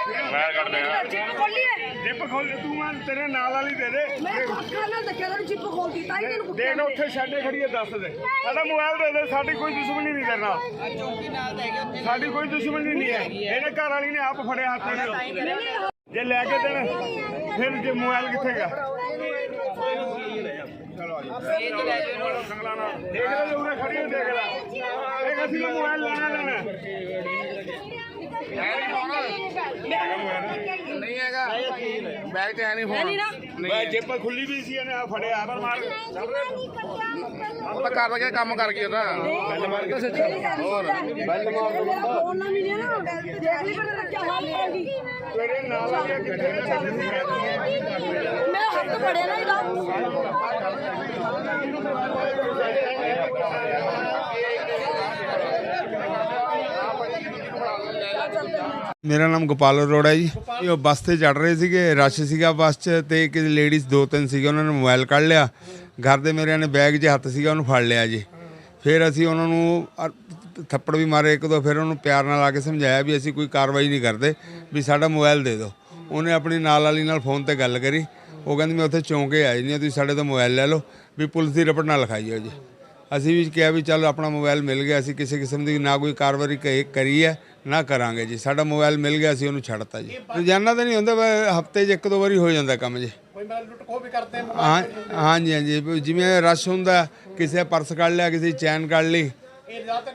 ਮੈਂ ਕੱਢ ਲਿਆ ਜਿੱਪ ਖੋਲੀ ਹੈ ਜਿੱਪ ਖੋਲ ਤੂੰ ਮੈਂ ਤੇਰੇ ਨਾਲ ਵਾਲੀ ਦੇ ਦੇ ਮੈਂ ਅੱਖਾਂ ਨਾਲ ਦੇਖਿਆ ਤੈਨੂੰ ਜਿੱਪ ਖੋਲਦੀ ਤਾਂ ਹੀ ਤੈਨੂੰ ਕੁੱਟਿਆ ਦੇਖ ਉੱਥੇ ਛੱਡੇ ਖੜੀ ਹੈ ਦੱਸ ਦੇ ਸਾਡਾ ਮੋਬਾਈਲ ਦੇ ਦੇ ਸਾਡੀ ਕੋਈ ਦੁਸ਼ਮਣੀ ਨਹੀਂ ਤੇਰੇ ਨਾਲ ਚੌਂਕੀ ਨਾਲ ਲੈ ਗਏ ਉੱਥੇ ਸਾਡੀ ਕੋਈ ਦੁਸ਼ਮਣੀ ਨਹੀਂ ਹੈ ਇਹਨੇ ਘਰ ਵਾਲੀ ਨੇ ਆਪ ਫੜਿਆ ਹੱਥ ਨਾਲ ਜੇ ਲੈ ਕੇ ਦੇਣ ਫਿਰ ਜੇ ਮੋਬਾਈਲ ਕਿੱਥੇ ਗਿਆ ਚਲੋ ਆ ਜਾਓ ਸੰਗਲਾਣਾ ਦੇਖ ਲੈ ਉਰੇ ਖੜੀ ਹੋ ਦੇਖ ਲੈ ਇਹ ਅਸੀਂ ਮੋਬਾਈਲ ਲੈਣਾ ਨਹੀਂ ਹੈਗਾ ਬੈਗ ਤੇ ਹੈ ਨਹੀਂ ਫੋਨ ਮੈਂ ਜੇਬ ਖੁੱਲੀ ਵੀ ਸੀ ਇਹਨੇ ਆ ਫੜਿਆ ਪਰ ਮਾਰ ਉਹ ਤਾਂ ਕਰ ਗਿਆ ਕੰਮ ਕਰ ਗਿਆ ਉਹਦਾ ਗੱਲ ਮਾਰ ਕੇ ਹੋਰ ਬੈਲ ਮਾਰ ਫੋਨ ਨਾ ਮਿਲਿਆ ਨਾ ਦੇਖ ਲਈ ਪਰ ਰੱਖਿਆ ਹਾਲ ਹੋਗੀ ਤੇਰੇ ਨਾਲ ਆ ਕੇ ਕਿੱਥੇ ਮੈਂ ਹੱਥ ਫੜਿਆ ਨਾ ਇਹਦਾ ਮੇਰਾ ਨਾਮ ਗੋਪਾਲ ਅਰੋੜਾ ਜੀ ਉਹ ਬੱਸ ਤੇ ਚੜ ਰਹੇ ਸੀਗੇ ਰਸ਼ ਸੀਗਾ ਬੱਸ 'ਚ ਤੇ ਇੱਕ ਲੇਡੀਜ਼ ਦੋ ਤਿੰਨ ਸੀਗੇ ਉਹਨਾਂ ਨੇ ਮੋਬਾਈਲ ਕੱਢ ਲਿਆ ਘਰ ਦੇ ਮੇਰਿਆਂ ਨੇ ਬੈਗ 'ਚ ਹੱਥ ਸੀਗਾ ਉਹਨੂੰ ਫੜ ਲਿਆ ਜੀ ਫਿਰ ਅਸੀਂ ਉਹਨਾਂ ਨੂੰ ਥੱਪੜ ਵੀ ਮਾਰੇ ਇੱਕ ਦੋ ਫਿਰ ਉਹਨੂੰ ਪਿਆਰ ਨਾਲ ਆ ਕੇ ਸਮਝਾਇਆ ਵੀ ਅਸੀਂ ਕੋਈ ਕਾਰਵਾਈ ਨਹੀਂ ਕਰਦੇ ਵੀ ਸਾਡਾ ਮੋਬਾਈਲ ਦੇ ਦਿਓ ਉਹਨੇ ਆਪਣੀ ਨਾਲ ਵਾਲੀ ਨਾਲ ਫੋਨ ਤੇ ਗੱਲ ਕਰੀ ਉਹ ਕਹਿੰਦੀ ਮੈਂ ਉੱਥੇ ਚੌਂਕੇ ਆਈ ਨਹੀਂ ਤੁਸੀਂ ਸਾਡੇ ਤੋਂ ਮੋਬਾਈਲ ਲੈ ਲਓ ਵੀ ਪੁਲਿਸ ਦੀ ਰਿਪੋਰਟ ਨਾ ਲਿਖਾਈਓ ਜੀ ਅਸੀਂ ਵੀ ਕਿਹਾ ਵੀ ਚੱਲ ਆਪਣਾ ਮੋਬਾਈਲ ਮਿਲ ਗਿਆ ਅਸੀਂ ਕਿਸੇ ਕਿਸਮ ਦੀ ਨਾ ਕੋਈ ਕਾਰਵਾਈ ਕਰੀ ਹੈ ਨਾ ਕਰਾਂਗੇ ਜੀ ਸਾਡਾ ਮੋਬਾਈਲ ਮਿਲ ਗਿਆ ਅਸੀਂ ਉਹਨੂੰ ਛੱਡਤਾ ਜੀ ਰੋਜ਼ਾਨਾ ਤਾਂ ਨਹੀਂ ਹੁੰਦਾ ਹਫਤੇ 'ਚ ਇੱਕ ਦੋ ਵਾਰੀ ਹੋ ਜਾਂਦਾ ਕੰਮ ਜੀ ਹਾਂ ਹਾਂਜੀ ਹਾਂਜੀ ਜਿਵੇਂ ਰਸ਼ ਹੁੰਦਾ ਕਿਸੇ ਪਰਸ ਕੱਢ ਲਿਆ ਕਿਸੇ ਚੈਨ ਕੱਢ ਲਈ